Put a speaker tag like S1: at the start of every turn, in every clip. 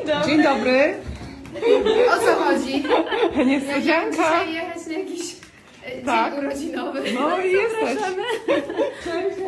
S1: Dzień dobry.
S2: O co chodzi?
S1: Niespodzianka.
S2: Dzisiaj jechać na jakiś
S1: Tak.
S2: dzień urodzinowy.
S1: No i jesteś. Cześć.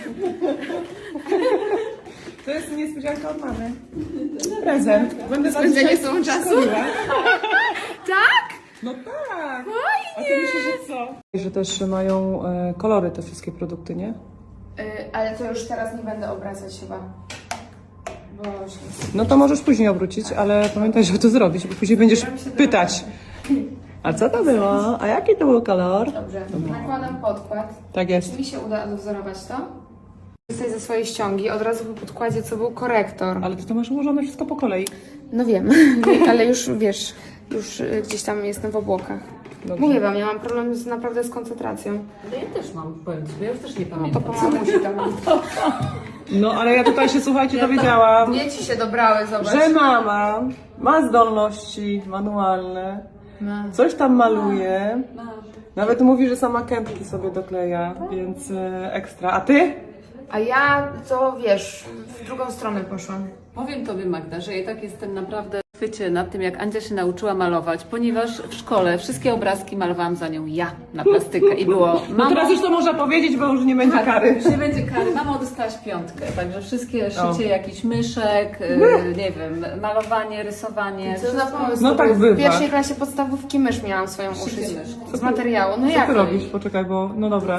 S1: To jest niespodzianka od mamy. Prezent. Będę
S2: Spędzenie sobą czasu? Tak?
S1: No tak. A ty
S2: Fajnie.
S1: myślisz, że co? Że też mają kolory te wszystkie produkty, nie?
S2: Ale to już teraz nie będę obracać chyba. Bo już nie.
S1: No to możesz później obrócić, ale pamiętaj, żeby to zrobić, bo później będziesz pytać. A co to było? A jaki to był kolor?
S2: Dobrze. Nakładam podkład.
S1: Tak jest.
S2: Czy mi się uda odwzorować to? Tutaj ze swojej ściągi od razu po podkładzie, co był korektor.
S1: Ale ty to masz ułożone wszystko po kolei.
S2: No wiem, ale już wiesz, już gdzieś tam jestem w obłokach.
S1: Dobrze.
S2: Mówię wam, ja mam problem naprawdę z koncentracją.
S3: No ja też mam, powiem ci, bo ja już też nie
S2: To
S3: pamiętam.
S2: po mamusi to mam.
S1: No ale ja tutaj się, słuchajcie, dowiedziałam,
S2: Dzieci się dobrały, zobacz.
S1: że mama ma zdolności manualne, coś tam maluje, nawet mówi, że sama kępki sobie dokleja, więc ekstra. A ty?
S2: A ja to wiesz, w drugą stronę poszłam.
S3: Powiem tobie, Magda, że ja tak jestem naprawdę w chwycie nad tym, jak Andzia się nauczyła malować, ponieważ w szkole wszystkie obrazki malowałam za nią ja na plastykę i było
S1: No
S3: mamo,
S1: teraz już to można powiedzieć, bo już nie będzie kary.
S3: już nie będzie kary, mamo dostałaś 5, także wszystkie szycie jakichś myszek, nie wiem, malowanie, rysowanie,
S2: Co za pomysł?
S1: No
S2: To
S1: tak
S2: był
S1: bywa.
S2: W pierwszej klasie podstawówki mysz miałam swoją uszyć.
S3: myszki.
S2: Z materiału. No
S1: Co
S2: jak
S1: ty
S2: to?
S1: robisz? Poczekaj, bo no dobra.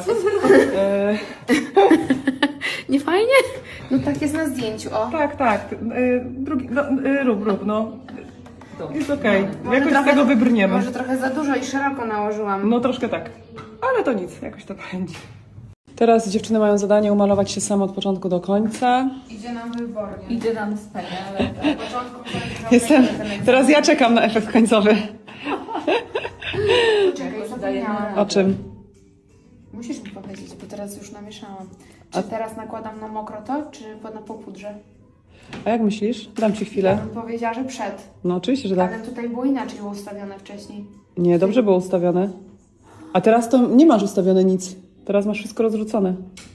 S2: Nie fajnie? No tak jest na zdjęciu, o.
S1: Tak, tak. Drugi, no, rób, no. Jest okej.
S2: Może
S1: Jakoś z
S2: trochę-
S1: tego wybrniemy.
S2: Może trochę za dużo i szeroko nałożyłam.
S1: No troszkę tak. Ale to nic, jakoś to będzie. Teraz dziewczyny mają zadanie umalować się same od początku do końca.
S2: Idzie nam wybornie.
S3: idzie nam wspaniale.
S2: Na początku
S1: Jestem. Teraz ja czekam na efekt końcowy.
S2: Czekaj, zapomniałam.
S1: O czym?
S2: Musisz mi powiedzieć, bo teraz już namieszałam. Czy teraz nakładam na mokro to, czy na popudrze?
S1: A jak myślisz? Dam ci
S2: Ja
S1: chwilę.
S2: bym powiedziała, że przed.
S1: No oczywiście, że tak.
S2: Ale tutaj było inaczej ustawione wcześniej.
S1: Nie, dobrze było ustawione. A teraz to nie masz ustawione nic. Teraz masz wszystko rozrzucone.